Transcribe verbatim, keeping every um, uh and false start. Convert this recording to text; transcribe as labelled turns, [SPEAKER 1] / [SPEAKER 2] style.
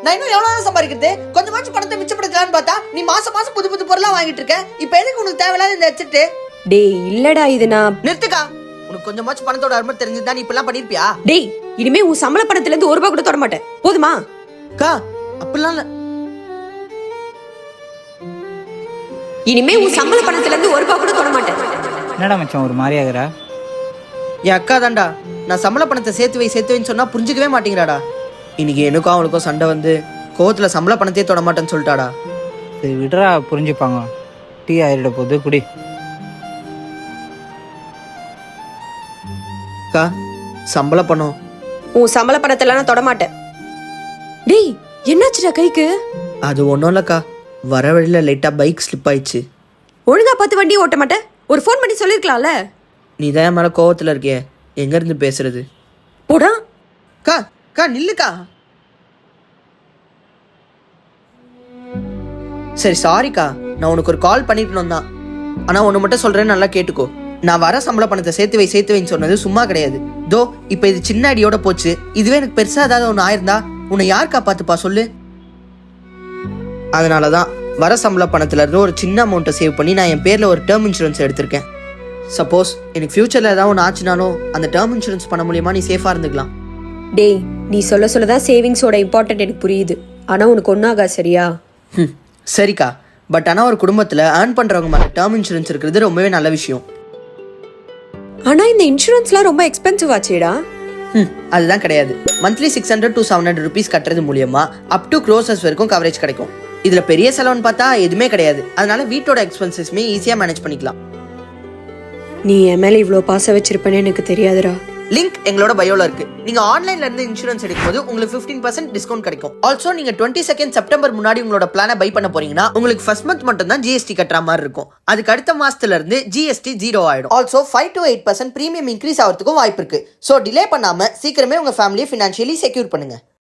[SPEAKER 1] நான் இன்னும் எவ்வளவு சம்பாதிக்கிறது? கொஞ்சமாச்சும் பணத்தை மிச்சப்படுத்தலான்னு பார்த்தா நீ மாசம் மாசம் புது புது பொருளா வாங்கிட்டு இருக்க. இப்ப எதுக்கு உனக்கு தேவையில்லாத இந்த ஹெட்செட்?
[SPEAKER 2] டேய் இல்லடா இது நான்
[SPEAKER 1] நிறுத்துக்கா. உனக்கு கொஞ்சமாச்சும் பணத்தோட அருமை தெரிஞ்சுதா நீ இப்பெல்லாம் பண்ணிருப்பியா?
[SPEAKER 2] டேய் இனிமே உன் சம்பள பணத்துல இருந்து ஒரு ரூபாய் கூட தொட மாட்டேன், போதுமா?
[SPEAKER 1] அக்கா அப்படிலாம் இல்ல.
[SPEAKER 2] இனிமே உன் சம்பள பணத்துல இருந்து ஒரு ரூபாய் கூட தொட மாட்டேன்.
[SPEAKER 3] என்னடா மச்சான் ஒரு மாதிரி ஆகுறா?
[SPEAKER 1] என் அக்கா தான்டா, நான் சம்பள பணத்தை சேர்த்து வை சேர்த்து வைன்னு சொன்னா புரிஞ்சுக்கவே மாட்டேங்கிறாடா. இன்னைக்கு எனக்கும் அவனுக்கும் சண்டை வந்து கோவத்துல சம்பள பணத்தையே தொட மாட்டேன்னு சொல்லிட்டாடா.
[SPEAKER 3] சரி விடுறா, புரிஞ்சுப்பாங்க. டீ ஆயிட போகுது, குடி.
[SPEAKER 1] அக்கா சம்பள பணம்.
[SPEAKER 2] உன் சம்பள பணத்துல நான் தொட மாட்டேன். டேய் என்னாச்சுடா கைக்கு?
[SPEAKER 1] அது ஒன்றும் இல்லைக்கா, வர வழியில் லைட்டாக பைக் ஸ்லிப் ஆயிடுச்சு.
[SPEAKER 2] ஒழுங்கா பார்த்து வண்டி ஓட்ட மாட்டேன், ஒரு ஃபோன் பண்ணி சொல்லிருக்கலாம்ல.
[SPEAKER 1] நீ தான் மேலே கோவத்தில் இருக்கியே, எங்கேருந்து பேசுறது?
[SPEAKER 2] போடா.
[SPEAKER 1] கா கா நில்லுக்கா. சரி சாரிக்கா, நான் உனக்கு ஒரு கால் பண்ணிக்கணும் தான். ஆனால் ஒன்று மட்டும் சொல்கிறேன்னு நல்லா கேட்டுக்கோ. நான் வர சம்பள பணத்தை சேர்த்து வை சேர்த்து வைன்னு சொன்னது சும்மா கிடையாது. தோ இப்போ இது சின்ன அடியோட போச்சு. இதுவே எனக்கு பெருசாக ஏதாவது ஒன்று ஆயிருந்தா உன்னை யார் காப்பாத்துப்பா சொல்லு? அதனால தான் வர சம்பள பணத்துல இருந்து ஒரு சின்ன அமௌண்ட்டை சேவ் பண்ணி நான் என் பேரில் ஒரு டேர்ம் இன்சூரன்ஸ் எடுத்திருக்கேன். சப்போஸ் எனக்கு ஃபியூச்சரில் ஏதாவது ஒன்று ஆச்சுனாலும் அந்த டேர்ம் இன்சூரன்ஸ் பண்ண மூலியமா நீ சேஃபாக இருந்துக்கலாம்.
[SPEAKER 2] டேய் நீ சொல்ல சொல்லதான் சேவிங்ஸோட இம்பார்ட்டன்ட் எனக்கு புரியுது. ஆனா உனக்கு ஒன்றாகா சரியா?
[SPEAKER 1] ம் சரிக்கா, பட் ஆனால் ஒரு குடும்பத்தில் ஏர்ன் பண்ணுறவங்க மேலே டேர்ம் இன்சூரன்ஸ் இருக்கிறது ரொம்பவே நல்ல விஷயம்.
[SPEAKER 2] ஆனா இந்த இன்சூரன்ஸ்லாம் ரொம்ப எக்ஸ்பென்சிவ் ஆச்சேடா.
[SPEAKER 1] ம் அதுதான் கிடையாது. Monthly six hundred to seven hundred rupees கட்டுறது மூலியமா அப் டு க்ரோசஸ் வரைக்கும் கவரேஜ் கிடைக்கும். இதுல பெரிய செலவுன்னு பார்த்தா எதுவுமே கிடையாது. அதனால வீட்டோட எக்ஸ்பென்சஸ்மே ஈஸியாக மேனேஜ் பண்ணிக்கலாம்.
[SPEAKER 2] நீ என் மேல இவ்வளோ பாசம் வச்சிருப்பேன்னு எனக்கு தெரியாதுடா.
[SPEAKER 1] லிங்க் எங்களோட பயோல இருக்கு. நீங்க ஆன்லைன்ல இருந்து இன்சூரன்ஸ் எடுக்கும்போது உங்களுக்கு பிப்டீன் பர்சன்ட் டிஸ்கவுண்ட் கிடைக்கும். ஆல்சோ நீங்க டுவெண்ட்டி செகண்ட் செப்டம்பர் முன்னாடி உங்களோட பிளானை பை பண்ண போறீங்கன்னா உங்களுக்கு ஃபர்ஸ்ட் மந்த் மட்டும் தான் ஜிஎஸ்டி கட்டுற மாதிரி இருக்கும். அதுக்கு அடுத்த மாசத்துல இருந்து ஜிஎஸ்டி ஜீரோ ஆயிடும். Also five to eight percent premium increase ஆகிறதுக்கும் வாய்ப்பு இருக்கு. ஸோ டிலே பண்ணாம சீக்கிரமே உங்க ஃபேமிலியை ஃபினான்ஷியலி செக்யூர் பண்ணுங்க.